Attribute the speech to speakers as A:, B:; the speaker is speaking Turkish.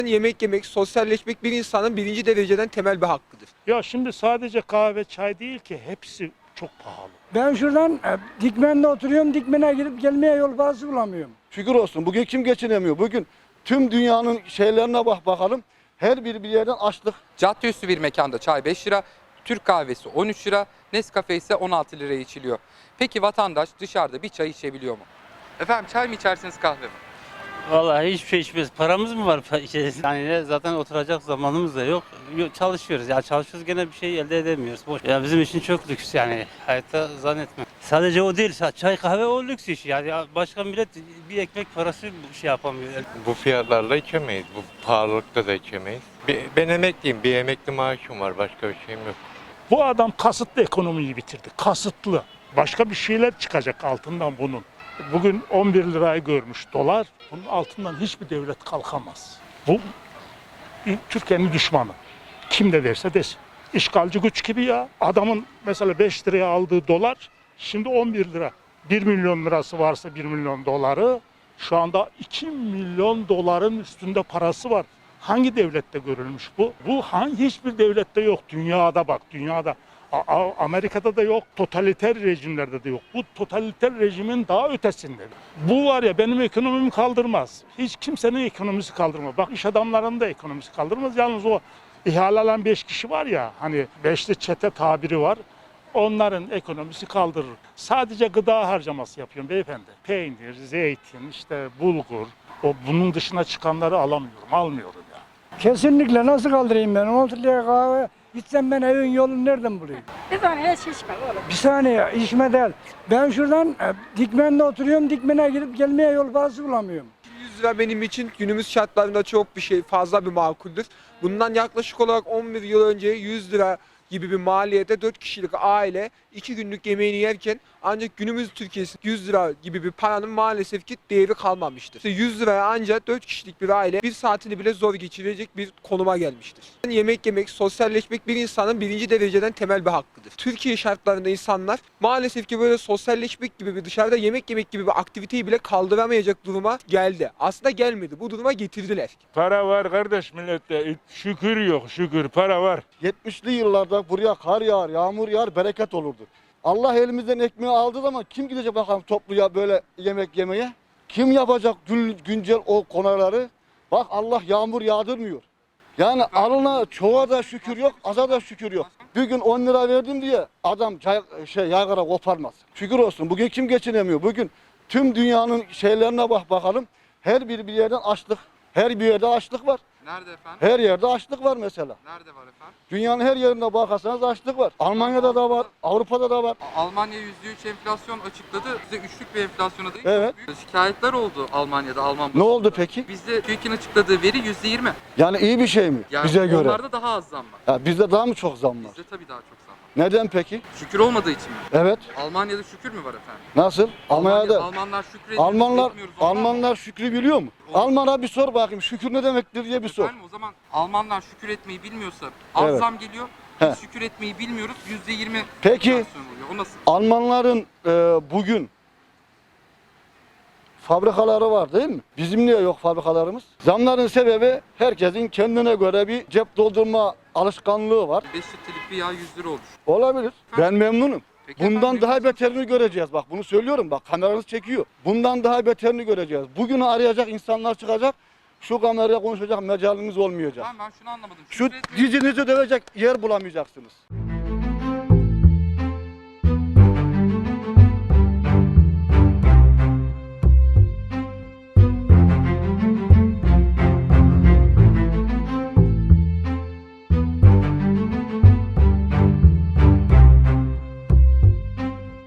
A: Yemek yemek, sosyalleşmek bir insanın birinci dereceden temel bir hakkıdır.
B: Ya şimdi sadece kahve, çay değil ki hepsi çok pahalı.
C: Ben şuradan Dikmen'de oturuyorum. Dikmen'e gidip gelmeye yol parası bulamıyorum.
D: Şükür olsun. Bugün kim geçinemiyor? Bugün tüm dünyanın şeylerine bakalım. Her bir yerden açlık.
E: Caddeüstü bir mekanda çay 5 lira, Türk kahvesi 13 lira, Nescafe ise 16 liraya içiliyor. Peki vatandaş dışarıda bir çay içebiliyor mu? Efendim çay mı içersiniz kahve mi?
F: Vallahi hiçbir şey içmiyoruz. Paramız mı var? Yani zaten oturacak zamanımız da yok. Çalışıyoruz. Ya çalışıyoruz gene bir şey elde edemiyoruz. Boş. Ya bizim için çok lüks yani. Hayatta zannetmem. Sadece o değil. Çay kahve o lüks iş. Yani ya başka millet bir ekmek parası şey yapamıyor.
G: Bu fiyatlarla içemeyiz. Bu pahalılıkta da içemeyiz. Ben emekliyim. Bir emekli maaşım var. Başka bir şeyim yok.
B: Bu adam kasıtlı ekonomiyi bitirdi. Kasıtlı. Başka bir şeyler çıkacak altından bunun. Bugün 11 lirayı görmüş dolar. Bunun altından hiçbir devlet kalkamaz. Bu Türkiye'nin düşmanı. Kim de derse desin. İşgalci güç gibi ya. Adamın mesela 5 liraya aldığı dolar şimdi 11 lira. 1 milyon lirası varsa 1 milyon doları şu anda 2 milyon doların üstünde parası var. Hangi devlette görülmüş bu? Bu hiçbir devlette yok. Dünyada bak, dünyada. Amerika'da da yok, totaliter rejimlerde de yok. Bu totaliter rejimin daha ötesinde. Bu var ya benim ekonomimi kaldırmaz. Hiç kimsenin ekonomisi kaldırmaz. Bak iş adamlarının da ekonomisi kaldırmaz. Yalnız o ihale alan 5 kişi var ya, hani 5'li çete tabiri var. Onların ekonomisi kaldırır. Sadece gıda harcaması yapıyorum beyefendi. Peynir, zeytin, işte bulgur. Bunun dışına çıkanları almıyorum ya.
C: Kesinlikle nasıl kaldırayım ben? 16 liraya kahve içsem ben evin yolunu nereden bulayım?
H: Bir saniye hiç içme oğlum.
C: Bir saniye içme değil. Ben şuradan Dikmen'de oturuyorum. Dikmen'e gidip gelmeye yol parası bulamıyorum.
A: 100 lira benim için günümüz şartlarında çok bir şey, fazla bir makuldür. Bundan yaklaşık olarak 11 yıl önce 100 lira gibi bir maliyete 4 kişilik aile 2 günlük yemeğini yerken ancak günümüz Türkiye'si 100 lira gibi bir paranın maalesef ki değeri kalmamıştır. İşte 100 liraya ancak 4 kişilik bir aile bir saatini bile zor geçirecek bir konuma gelmiştir. Yemek yemek, sosyalleşmek bir insanın birinci dereceden temel bir hakkıdır. Türkiye şartlarında insanlar maalesef ki böyle sosyalleşmek gibi bir dışarıda yemek yemek gibi bir aktiviteyi bile kaldıramayacak duruma geldi. Aslında gelmedi. Bu duruma getirdiler.
B: Para var kardeş millette. Şükür yok şükür. Para var.
D: 70'li yıllarda buraya kar yağar, yağmur yağar, bereket olurdu. Allah elimizden ekmeği aldığı zaman kim gidecek bakalım topluya böyle yemek yemeye? Kim yapacak güncel o konuları? Bak Allah yağmur yağdırmıyor. Yani alına çoğa da şükür yok, aza da şükür yok. Bir gün 10 lira verdim diye adam yaygara koparmaz. Şükür olsun. Bugün kim geçinemiyor? Bugün tüm dünyanın şeylerine bakalım. Her bir yerden açlık. Her bir yerde açlık var.
E: Nerede efendim?
D: Her yerde açlık var mesela.
E: Nerede var efendim?
D: Dünyanın her yerinde bakarsanız açlık var. Almanya'da da var, Avrupa'da da var.
E: Almanya %3 enflasyon açıkladı. Bize üçlük bir enflasyona değil.
D: Evet.
E: Büyük şikayetler oldu Almanya'da, Alman.
D: Ne oldu peki?
E: Bizde TÜİK'in açıkladığı veri %20.
D: Yani iyi bir şey mi
E: Yani
D: bize göre?
E: onlarda daha az zam var.
D: Ya bizde daha mı çok zam var?
E: Bizde tabii daha çok zam var.
D: Neden peki?
E: Şükür olmadığı için mi?
D: Evet.
E: Almanya'da şükür mü var efendim?
D: Nasıl? Almanya'da
E: Almanlar şükrediyor.
D: Almanlar şükrü biliyor mu? Alman'a bir sor bakayım şükür ne demektir diye bir sor.
E: Efendim o zaman Almanlar şükür etmeyi bilmiyorsa az
D: Evet.
E: zam geliyor.
D: He.
E: Biz şükür etmeyi bilmiyoruz. %20
D: Peki.
E: enflasyon oluyor. O nasıl?
D: Almanların bugün fabrikaları var değil mi? Bizim niye yok fabrikalarımız? Zamların sebebi herkesin kendine göre bir cep doldurma alışkanlığı var.
E: 5 litrelik bir yağ 100 lira olmuş.
D: Olabilir. Ben memnunum.
E: Peki
D: Bundan
E: efendim,
D: daha beterini göreceğiz. Bak bunu söylüyorum. Bak kameranız çekiyor. Bundan daha beterini göreceğiz. Bugünü arayacak insanlar çıkacak. Şu kameraya konuşacak mecalimiz olmayacak.
E: Ben şunu anlamadım.
D: Şu
E: Şükür etmeyi-
D: dizinizi dövecek yer bulamayacaksınız.